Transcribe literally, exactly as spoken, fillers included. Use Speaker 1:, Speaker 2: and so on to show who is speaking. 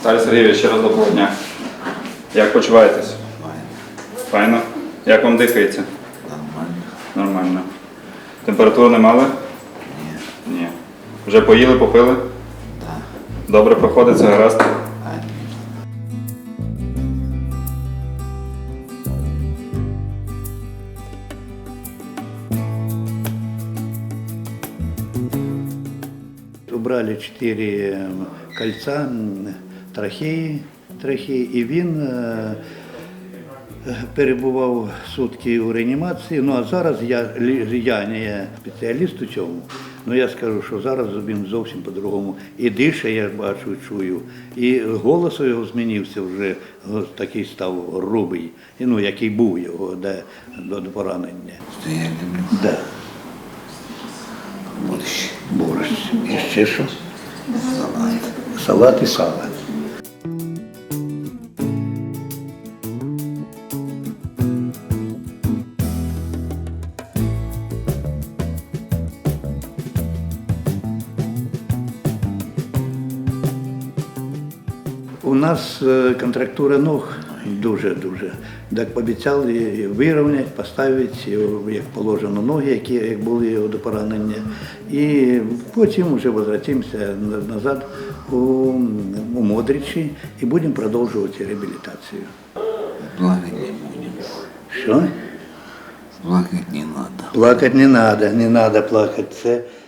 Speaker 1: Віталій Сергійович, ще раз доброго дня. Як почуваєтесь? Файно. Як вам дихається?
Speaker 2: Нормально.
Speaker 1: Нормально. Температуру не мали?
Speaker 2: Ні.
Speaker 1: Ні. Вже поїли, попили?
Speaker 2: Так.
Speaker 1: Добре проходиться, гаразд?
Speaker 2: А ні.
Speaker 3: Убрали чотири кольця, м, трахеї, трахеї, і він е, перебував сутки у реанімації. Ну а зараз я, лі- я не спеціаліст у цьому, але я скажу, що зараз він зовсім по-другому. І дише, я бачу, чую, і голос його змінився вже, о, такий став грубий, і, ну, який був його до, до, до поранення.
Speaker 2: Що я люблю?
Speaker 3: Да.
Speaker 2: Борщ.
Speaker 3: Борщ. І ще що?
Speaker 2: Салат.
Speaker 3: Салат і сало. У нас е, контрактура ног дуже-дуже. Так пообіцяли вирівняти, поставити, як положено, ноги, які як були до поранення. І потім вже повертаємося назад у, у Модричі і будемо продовжувати реабілітацію.
Speaker 2: Плакать не будем.
Speaker 3: Що?
Speaker 2: Плакать не надо.
Speaker 3: Плакати не треба, не треба плакати. Це